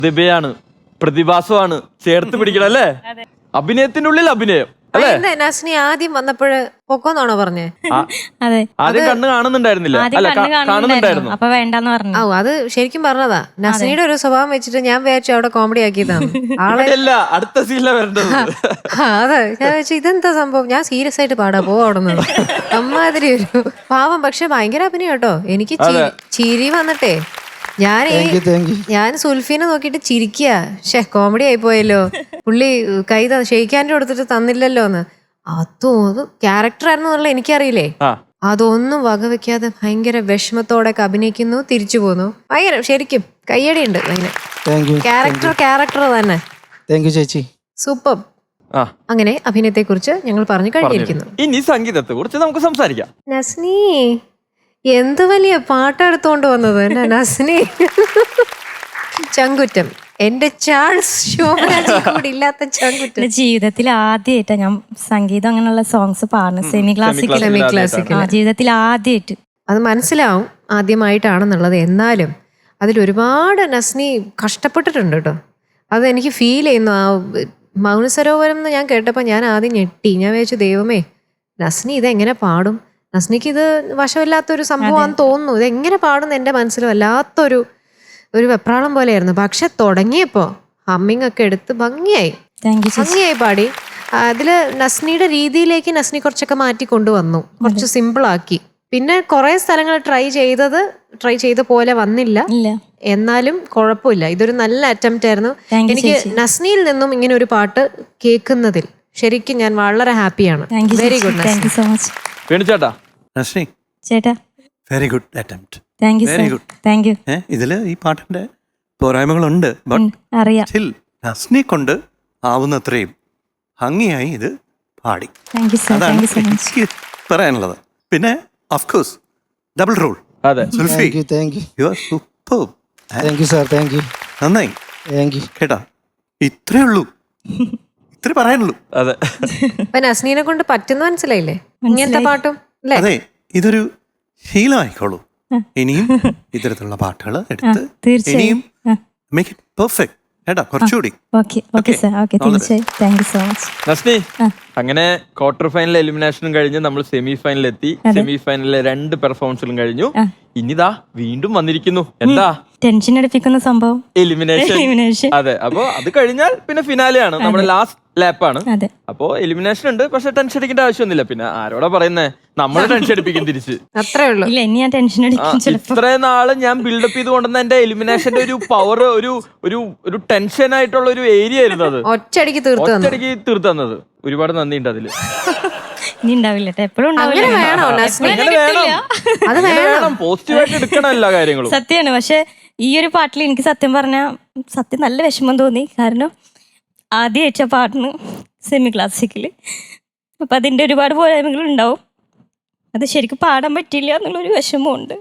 പ്രതിഭയാണ്, പ്രതിഭാസമാണ്, ചേർത്ത് പിടിക്കണം അല്ലേ? അഭിനയത്തിന്റെ ഉള്ളിൽ അഭിനയം അല്ലേ? നസ്നി ആദ്യം വന്നപ്പോഴ് പൊക്കോന്നാണോ പറഞ്ഞേ? ആദ്യം കണ്ണ് കാണുന്നുണ്ടായിരുന്നില്ല, അല്ല കാണുന്നുണ്ടായിരുന്നു. അപ്പൊ വേണ്ടെന്ന് പറഞ്ഞു. ഓ, അത് ശരിക്കും പറഞ്ഞതാ. നസ്നിയുടെ ഒരു സ്വഭാവം വെച്ചിട്ട് ഞാൻ വിചാരിച്ചു അവിടെ കോമഡി ആക്കിയതാണ് ആളെ. അടുത്ത സീനിലാണ് വരേണ്ടത്. അതെ, ഞാൻ വെച്ചു ഇതെന്താ സംഭവം, ഞാൻ സീരിയസ് ആയിട്ട് പാടാ പോ അവിടെ നിന്ന്. അമ്മാതിരി ഒരു പാവം, പക്ഷെ ഭയങ്കര അഭിനയം കേട്ടോ. എനിക്ക് ചിരി വന്നിട്ടേ ഞാൻ സുൽഫീനെ നോക്കിട്ട് ചിരിക്കുക. കോമഡി ആയി പോയല്ലോ, പുള്ളി കൈ ഷെയ്ക്കാൻ്റെ കൊടുത്തിട്ട് തന്നില്ലല്ലോ എന്ന്. അത് ക്യാരക്ടർ ആയിരുന്നു എനിക്കറിയില്ലേ. അതൊന്നും വകവെക്കാതെ ഭയങ്കര വിഷമത്തോടെ അഭിനയിക്കുന്നു, തിരിച്ചു പോന്നു. ഭയങ്കര ശരിക്കും കയ്യടിയുണ്ട്. ക്യാരക്ടർ തന്നെ. ചേച്ചി സൂപ്പർ. അങ്ങനെ അഭിനയത്തെ കുറിച്ച് ഞങ്ങൾ പറഞ്ഞു കഴിഞ്ഞിരിക്കുന്നു. ഇനി സംഗീതത്തെ കുറിച്ച് നമുക്ക് സംസാരിക്കാം. നസ്നി എന്ത് വലിയ പാട്ടെടുത്തോണ്ട് വന്നത് എന്നാ നസ്നി. ചങ്കുറ്റം, എന്റെ ചാൾസ് ശോഭരാജ് കൂടി ഇല്ലാത്ത ചങ്കുറ്റം. ജീവിതത്തിൽ ആദ്യമായിട്ടാ ഞാൻ സംഗീതം അങ്ങനെയുള്ള സോങ്സ് പാടുന്നത്. സെമി ക്ലാസിക്കൽ ജീവിതത്തിൽ ആദ്യമായിട്ട്. അത് മനസ്സിലാവും ആദ്യമായിട്ടാണെന്നുള്ളത്. എന്നാലും അതിലൊരുപാട് നസ്നി കഷ്ടപ്പെട്ടിട്ടുണ്ട് കേട്ടോ. അതെനിക്ക് ഫീൽ ചെയ്യുന്നു. ആ മൗനസരോവരം എന്ന് ഞാൻ കേട്ടപ്പോൾ ഞാൻ ആദ്യം ഞെട്ടി. ഞാൻ വിചാരിച്ചു ദൈവമേ, നസ്നി ഇതെങ്ങനെ പാടും? നസ്നിക്ക് ഇത് വശമില്ലാത്തൊരു സംഭവമാണെന്ന് തോന്നുന്നു. ഇതെങ്ങനെ പാടുന്നു എൻ്റെ മനസ്സിൽ വല്ലാത്തൊരു വെപ്രാളം പോലെയായിരുന്നു. പക്ഷെ തുടങ്ങിയപ്പോൾ ഹമ്മിങ് ഒക്കെ എടുത്ത് ഭംഗിയായി പാടി. അതില് നസ്നിയുടെ രീതിയിലേക്ക് നസ്നി കുറച്ചൊക്കെ മാറ്റി കൊണ്ടുവന്നു, കുറച്ച് സിമ്പിളാക്കി. പിന്നെ കുറെ സ്ഥലങ്ങൾ ട്രൈ ചെയ്ത പോലെ വന്നില്ല, എന്നാലും കുഴപ്പമില്ല. ഇതൊരു നല്ല അറ്റംപ്റ്റ് ആയിരുന്നു. എനിക്ക് നസ്നിയിൽ നിന്നും ഇങ്ങനെ ഒരു പാട്ട് കേൾക്കുന്നതിൽ ശരിക്കും ഞാൻ വളരെ ഹാപ്പിയാണ്. Very good. Very good attempt. Very good. ഇതില് ഈ പാട്ടിന്റെ പോരായ്മകളുണ്ട്, ബട്ട് സ്റ്റിൽ നസ്നി കൊണ്ട് ആവുന്നത്രയും ഭംഗിയായി ഇത് പാടി. അതാണ് എനിക്ക് പറയാനുള്ളത്. പിന്നെ of course double role. Sulfi, you are super. നന്നായി കേട്ടാ. ഇത്രേ ഉള്ളൂ, ഇത്ര പറയാനുള്ളൂ. അതെ, നസ്നീനെ കൊണ്ട് പറ്റുന്ന മനസ്സിലായില്ലേ ഇങ്ങനത്തെ പാട്ടും. അതെ, ഇതൊരു ശീലമായിക്കോളൂ. ഇനിയും ഇത്തരത്തിലുള്ള പാട്ടുകൾ എടുത്ത് ഇനിയും മേക്ക് ഇറ്റ് പെർഫെക്റ്റ് കേട്ടോ, കുറച്ചുകൂടി. നസ്നി, അങ്ങനെ ക്വാർട്ടർ ഫൈനൽ എലിമിനേഷനും കഴിഞ്ഞ് നമ്മൾ സെമി ഫൈനലിൽ എത്തി. സെമി ഫൈനലിലെ 2 പെർഫോമൻസുകളും കഴിഞ്ഞു. ഇനിതാ വീണ്ടും വന്നിരിക്കുന്നു. എന്താ ടെൻഷൻ അടിപ്പിക്കുന്ന സംഭവം? എലിമിനേഷൻ. അതെ, അപ്പൊ അത് കഴിഞ്ഞാൽ പിന്നെ ഫിനാലെയാണ്, നമ്മുടെ ലാസ്റ്റ് ലാപ്പാണ്. അപ്പോ എലിമിനേഷൻ ഉണ്ട്, പക്ഷെ ടെൻഷൻ അടിക്കേണ്ട ആവശ്യമൊന്നുമില്ല. പിന്നെ ആരോടാ പറയുന്നേ, നമ്മൾ ടെൻഷൻ അടിപ്പിക്കും തിരിച്ച്. അത്രേ ഉള്ളൂ. ഇത്രയും നാള് ഞാൻ ബിൽഡപ്പ് ചെയ്ത് കൊണ്ടുവന്ന എന്റെ എലിമിനേഷന്റെ ഒരു പവർ, ഒരു ടെൻഷൻ ആയിട്ടുള്ള ഒരു ഏരിയ ആയിരുന്നു അത്. ഒറ്റയടിക്ക് തീർത്തു തന്നത്. ഒരുപാട് നന്ദിയുണ്ട് അതില്. ഇനി ഉണ്ടാവില്ല, എപ്പോഴും പോസിറ്റീവായിട്ട് എടുക്കണം എല്ലാ കാര്യങ്ങളും. സത്യമാണ്. പക്ഷെ ഈ ഒരു പാട്ടിൽ എനിക്ക് സത്യം പറഞ്ഞാൽ നല്ല വിഷമം തോന്നി. കാരണം ആദ്യം അയച്ച പാട്ടിന് സെമി ക്ലാസിക്കല്, അപ്പൊ അതിന്റെ ഒരുപാട് പോരായ്മകൾ ഉണ്ടാവും. അത് ശരിക്കും പാടാൻ പറ്റില്ല എന്നുള്ളൊരു വിഷമമുണ്ട്.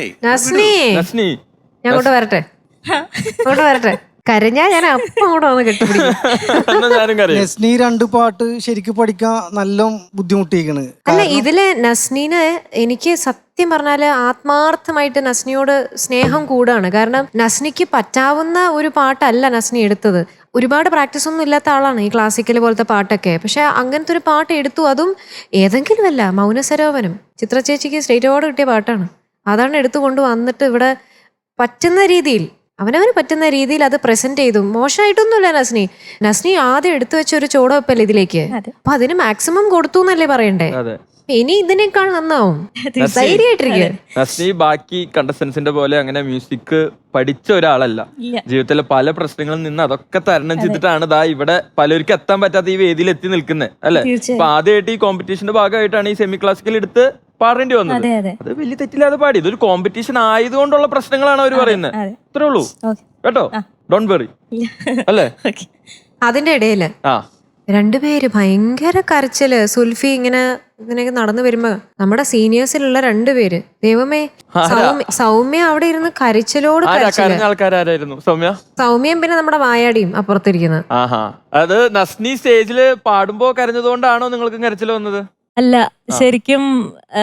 ഞാൻ വരട്ടെ കരഞ്ഞാ ഞാൻ അപ്പം കൂടെ വന്ന് കെട്ടിപ്പിടിക്കും. നസ്നി 2 പാട്ട് ശരിക്കും പഠിക്കാൻ നല്ല ബുദ്ധിമുട്ടിയിരിക്കണ്. അല്ല, ഇതില് നസ്നീന് എനിക്ക് സത്യം പറഞ്ഞാല് ആത്മാർത്ഥമായിട്ട് നസ്നിയോട് സ്നേഹം കൂടാണ്. കാരണം നസ്നിക്ക് പറ്റാവുന്ന ഒരു പാട്ടല്ല നസ്നി എടുത്തത്. ഒരുപാട് പ്രാക്ടീസ് ഒന്നും ഇല്ലാത്ത ആളാണ് ഈ ക്ലാസിക്കൽ പോലത്തെ പാട്ടൊക്കെ. പക്ഷെ അങ്ങനത്തെ ഒരു പാട്ട് എടുത്തു, അതും ഏതെങ്കിലും അല്ല, മൗനസരോവരം. ചിത്ര ചേച്ചിക്ക് സ്റ്റേറ്റ് അവാർഡ് കിട്ടിയ പാട്ടാണ്. അതാണ് എടുത്തുകൊണ്ട് വന്നിട്ട് ഇവിടെ പറ്റുന്ന രീതിയിൽ, അവനവന് പറ്റുന്ന രീതിയിൽ അത് പ്രസന്റ് ചെയ്തു. മോശമായിട്ടൊന്നുമില്ല നസ്നി ആദ്യം എടുത്തു വെച്ച ഒരു ചോടവെപ്പല്ലേ ഇതിലേക്ക്. അപ്പൊ അതിന് മാക്സിമം കൊടുത്തു എന്നല്ലേ പറയണ്ടേ. ഇനി ഇതിനേക്കാൾ നന്നാവും. നസ്നി ബാക്കി കണ്ടസ്റ്റൻസിന്റെ പോലെ അങ്ങനെ മ്യൂസിക് പഠിച്ച ഒരാളല്ല. ജീവിതത്തിലെ പല പ്രശ്നങ്ങളിൽ നിന്ന് അതൊക്കെ തരണം ചെയ്തിട്ടാണ് ദാ ഇവിടെ പലർക്കും എത്താൻ പറ്റാത്ത ഈ വേദിയിൽ എത്തി നിൽക്കുന്നത് അല്ലെ. അപ്പൊ ആദ്യമായിട്ട് ഈ കോമ്പറ്റീഷന്റെ ഭാഗമായിട്ടാണ് ഈ സെമി ക്ലാസിക്കൽ എടുത്ത് പാടേണ്ടി വന്നത്. അത് വലിയ തെറ്റില്ലാതെ പാടി. ഇതൊരു കോമ്പറ്റീഷൻ ആയതുകൊണ്ടുള്ള പ്രശ്നങ്ങളാണ് അവർ പറയുന്നത്. ഇത്രേ ഉള്ളൂ കേട്ടോ, ഡോണ്ട് വെറി അല്ലേ. അതിന്റെ ഇടയില് രണ്ടുപേര് ഭയങ്കര കരച്ചില്. സുൽഫി ഇങ്ങനെ നടന്നു വരുമ്പോ നമ്മുടെ സീനിയേഴ്സിലുള്ള 2 പേര്, ദൈവമേ, സൗമ്യ അവിടെ ഇരുന്ന് കരച്ചിലോട് സൗമ്യയും പിന്നെ നമ്മുടെ വായാടിയും അപ്പുറത്തിരിക്കുന്നത്. അത് നസ്നി സ്റ്റേജില് പാടുമ്പോ കരഞ്ഞതുകൊണ്ടാണോ നിങ്ങൾക്ക് കരച്ചിൽ വന്നത്? അല്ല, ശരിക്കും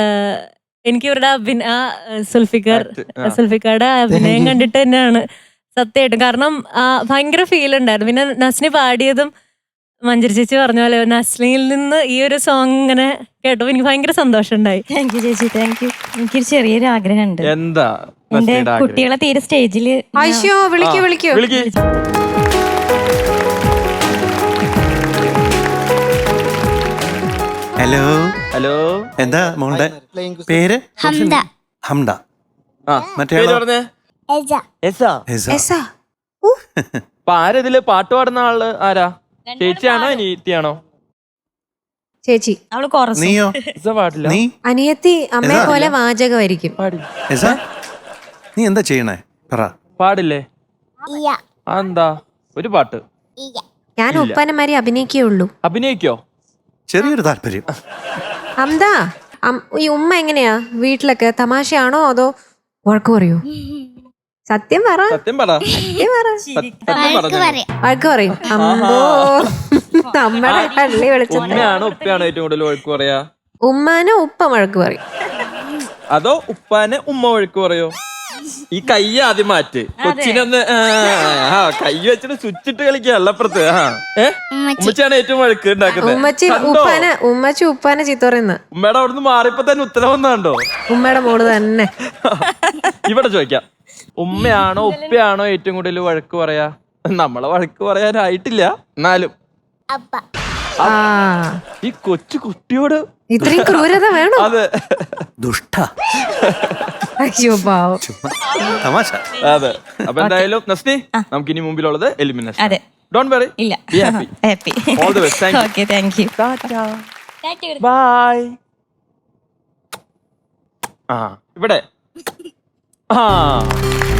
എനിക്ക് ഇവരുടെ സുൽഫിക്കറുടെ അഭിനയം കണ്ടിട്ട് തന്നെയാണ് സത്യമായിട്ടും. കാരണം ഭയങ്കര ഫീൽ ഉണ്ടായിരുന്നു. പിന്നെ നസ്നി പാടിയതും മഞ്ജരി ചേച്ചി പറഞ്ഞ പോലെ നസ്ലിയിൽ നിന്ന് ഈ ഒരു സോങ് ഇങ്ങനെ കേട്ടപ്പോൾ എനിക്ക് ഭയങ്കര സന്തോഷം ഉണ്ടായി. താങ്ക് യു ചേച്ചി, താങ്ക് യു. എനിക്കൊരു ചെറിയൊരു ആഗ്രഹമുണ്ട്. എന്താ എന്റെ കുട്ടികളെ തീരെ സ്റ്റേജിൽ അയ്യോ വിളിക്കൂ വിളിക്കൂ. ഹലോ ഹലോ, എന്താ മോളുടെ പേര്? ഹംദ. മറ്റേ പറഞ്ഞേ എസാ. അപ്പൊ ആരാ ഇതില് പാട്ട് പാടുന്ന ആള്? ആരാ? ചേച്ചിയാണോ അനിയത്തിയാണോ? ചേച്ചി. അവള് കുറച്ച് നീയോ? പാടില്ല. നീ അനിയത്തി അമ്മയെ പോലെ വാചകമായിരിക്കും. എസാ, നീ എന്താ ചെയ്യണേ പറ. പാടില്ലേ? എന്താ ഒരു പാട്ട്? ഞാൻ ഉപ്പനമാരി അഭിനയിക്കുകയുള്ളൂ. അഭിനയിക്കോ? ചെറിയൊരു താല്പര്യം. അംദാ, ഈ ഉമ്മ എങ്ങനെയാ വീട്ടിലൊക്കെ? തമാശയാണോ അതോ വഴക്ക് പറയൂ? സത്യം പറ. സത്യം പറ. വഴക്ക് പറയും. അമ്പോ നമ്മുടെ പള്ളി വിളിച്ച ഉമ്മയാണോ ഉപ്പയാണോ ഏറ്റവും കൂടുതൽ വഴക്ക് പറയാ? ഉമ്മാനെ ഉപ്പ വഴക്ക് പറയും. അതോ ഉപ്പാനെ ഉമ്മ വഴക്ക് പറയോ? ഈ കൈ ആദ്യം മാറ്റ്. കൊച്ചിനൊന്ന് കൈ വെച്ചിട്ട് സ്വിച്ചിട്ട് കളിക്കുക അപ്പുറത്ത്. ഉമ്മച്ചാണ് ഏറ്റവും വഴക്ക് ഉണ്ടാക്കുന്നത്. ഉമ്മച്ചി ഉപ്പാനെ ചീത്ത പറയുന്ന. ഉമ്മയുടെ അവിടുന്ന് മാറിയപ്പോ തന്നെ ഉത്തരം വന്നാണ്ടോ? ഉമ്മയുടെ മോള് തന്നെ. ഇവിടെ ചോദിക്കാം, ഉമ്മയാണോ ഉപ്പയാണോ ഏറ്റവും കൂടുതൽ വഴക്ക് പറയാ? നമ്മളെ വഴക്ക് പറയാനായിട്ടില്ല, എന്നാലും ഈ കൊച്ചു കുട്ടിയോട് ഇത്രയും ക്രൂരത വേണോ? അതെ, ദുഷ്ട. അയ്യോ പാവം. തമാശ. അതെ. അപ്പൊ എന്തായാലും നസ്നി, നമുക്ക് ഇനി മുമ്പിലുള്ളത് എലിമിനേഷൻ. അതെ. Don't worry. ഇല്ല. Be happy. Happy. All the best. Thank you. Okay, thank you. Tata. Bye. ഇവിടെ